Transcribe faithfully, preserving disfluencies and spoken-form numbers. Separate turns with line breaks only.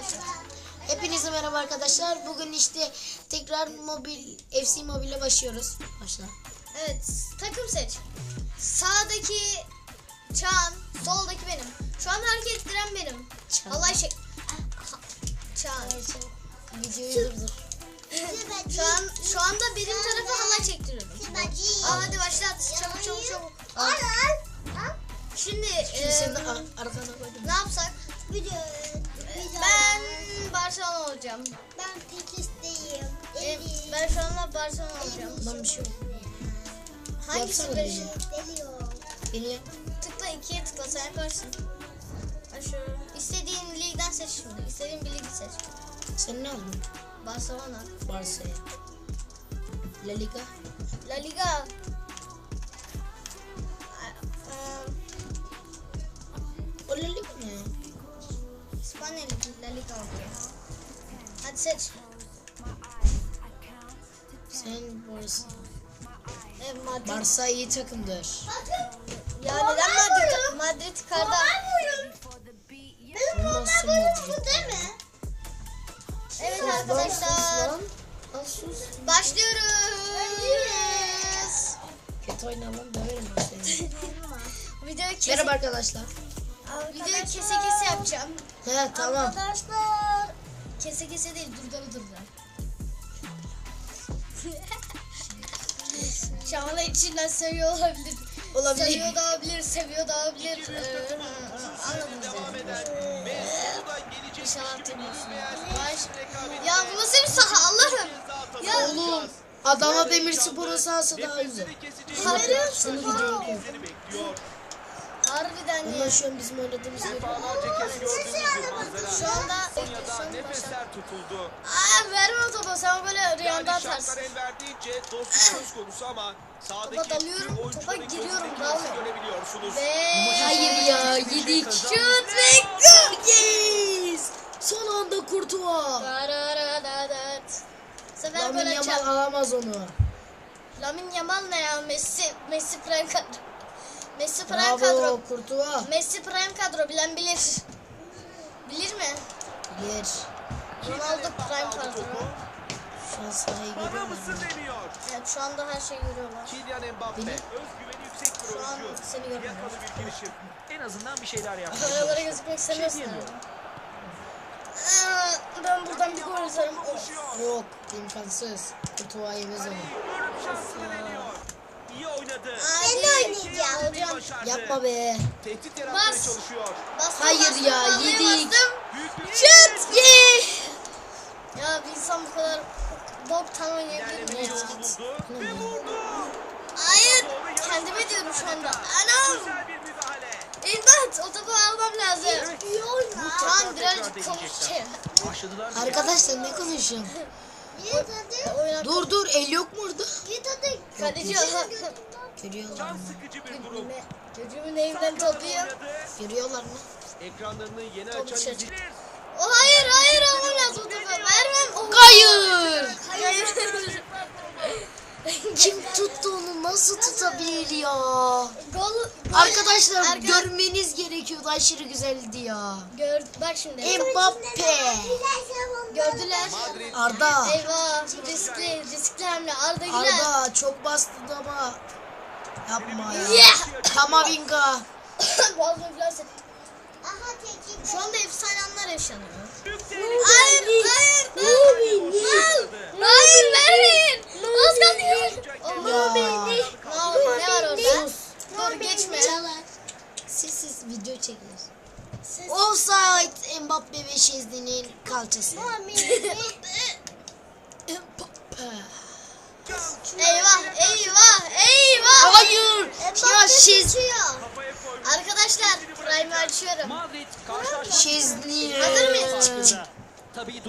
başla.
Hepinize merhaba arkadaşlar. Bugün işte tekrar mobil F C Mobile'e başlıyoruz. Başla.
Evet, takım seç. Sağdaki Çağan, soldaki benim. Şu an hareket ettiren benim.
Çağan.
Allah şey. Çağan.
Videoyu durdur.
Şu an şu anda benim tarafa halay çektiriyorum. Aa, hadi başlat. Çabuk çabuk çabuk.
Al.
Şimdi
Şimdi
e,
seni de ar- arkana koydum.
ne yapsak? Ben Barcelona olacağım.
Ben Tekis'teyim.
E, ben şu anda Barcelona olacağım.
Lan bir şey yok.
Hangisi
Yapsana
benim?
beni.
Geliyor.
Beni yap.
Tıkla ikiye tıkla sen yaparsın. Ha şu istediğin ligden seç şimdi. İstediğin bir ligi seç.
Sen ne aldın?
Barcelona.
Barça'ya. La Liga.
La Liga.
O La Liga ne?
İspanya Ligi. La Liga oluyor. Hadi seç.
Sen Barça.
E, Madrid.
Barça iyi takımdır.
Ya neden Madrid? Madrid karda.
Ondan sonra Madrid.
Değil mi?
Evet
Sus lan, sus
arkadaşlar.
lan. Lan sus.
Başlıyoruz.
Kötü oyna lan, döverim ben seni.
Videoyu kese,
Merhaba arkadaşlar.
videoyu kese kese yapacağım.
He tamam.
Arkadaşlar. Kese kese değil, durdura durdura. Şamala içinden seviyor olabilir.
Olabilir.
Seviyor da olabilir, seviyor da olabilir. Ee, anladınız yani. İnşallah hatırlıyorsunuz. Baş... Ya bu nasıl bir saha Allah'ım. Ya
Oğlum Adana Demirspor'un sahası daha güzel.
Hayır,
Şunu videoyu koy.
harbiden
Bunlar
ya.
şu an bizim oynadığımız yer.
Şu anda
Konya'da nefesler tutuldu.
Aa, verme o topu, sen böyle rüyanda
Yani
atarsın.
şartlar el verdiğince dostluk söz konusu ama sahadaki
Topa dalıyorum,
tüm
topa
oyuncuların
giriyorum,
gözündeki
dalmıyorum.
hissi görebiliyorsunuz.
Ve
Hayır ya yedik.
şut ve gol.
Yes! Son anda Kurtuva.
Dararararat. Bu sefer
Lamin
böyle
Yamal
çal.
alamaz onu.
Lamin Yamal ne ya? Messi, Messi prime kadro. Messi prime
Bravo
kadro.
Kurtuva.
Messi prime kadro, bilen bilir. Bilir mi?
Gir.
Ronaldo prime kadro.
Şu an sahayı
Bana
görüyor
mısın
musun?
deniyor.
Evet, şu anda her şeyi görüyorlar.
Kylian Mbappe
Beni-
özgüveni yüksek bir
Şu an
oyuncu.
seni görmüyorlar.
Yakalı bir girişim. En azından bir şeyler yapmaya
Kameralara
çalışıyor.
gözükmek
Bir şey
istemiyorsun.
diyemiyorum.
Aa, ben buradan bir gol atarım. Of.
Koşuyor.
Yok imkansız. Kurtuva yemez onu.
Ölüm şansını deniyor. İyi oynadı.
Ben
de oynayacağım.
Hocam.
Başardı.
Yapma be.
Tehdit yaratmaya
Bas.
çalışıyor.
Bastım,
Hayır
bastım,
ya,
vallahi
yedik.
bastım.
Büyük bir
Şut! Ye! Ya bir insan bu kadar boktan oynayabilir mi?
ilerleme yolunu buldu ve vurdu.
Hayır! Kendime diyorum şu anda. Anam!
Güzel bir müdahale.
İmdat! O topu almam lazım. Şu an birazcık
Tekrar
konuşayım.
Başladılar mı?
Arkadaşlar ne konuşuyorsun?
Yiğit hadi.
Oynar.
Dur dur el yok mu orada?
Yiğit hadi.
Kaleci
Görüyorlar
Can
mı?
sıkıcı bir durum.
Çocuğumun evinden topluyor.
Görüyorlar mı?
Ekranlarını yeni
Top
açan
dışarı.
izleyiciler.
O hayır hayır almam lazım o topu. Vermem. Oh.
Hayır!
Hayır.
Kim tuttu onu? Nasıl tutabilir ya?
Gol.
Arkadaşlar
Arka-
görmeniz gerekiyordu. Aşırı güzeldi ya.
Gör, bak şimdi.
Mbappe.
Gördüler.
Madrid
Arda.
Eyvah, riskli, riskli hamle. Arda Güler.
Arda çok bastı ama yapma ya.
Yeah!
Kamavinga.
Boğazını iflas etti.
Aha tekip.
Şu anda efsane anlar yaşanıyor.
büyük
Hayır, hayır, hayır. Hayır, vermeyin. Az kaldı.
Ya.
Ne, ne var orada? Dur geçme.
Sessiz video çekilir. Offside Mbappe ve Şezli'nin kalçası. Mbappe.
Eyvah, eyvah, eyvah.
Hayır. Ya Şez
kafaya koymuş.
Arkadaşlar, Prime'ı açıyorum.
Madrid karşılaşma
Şezli.
Hazır mıyız?
Tabii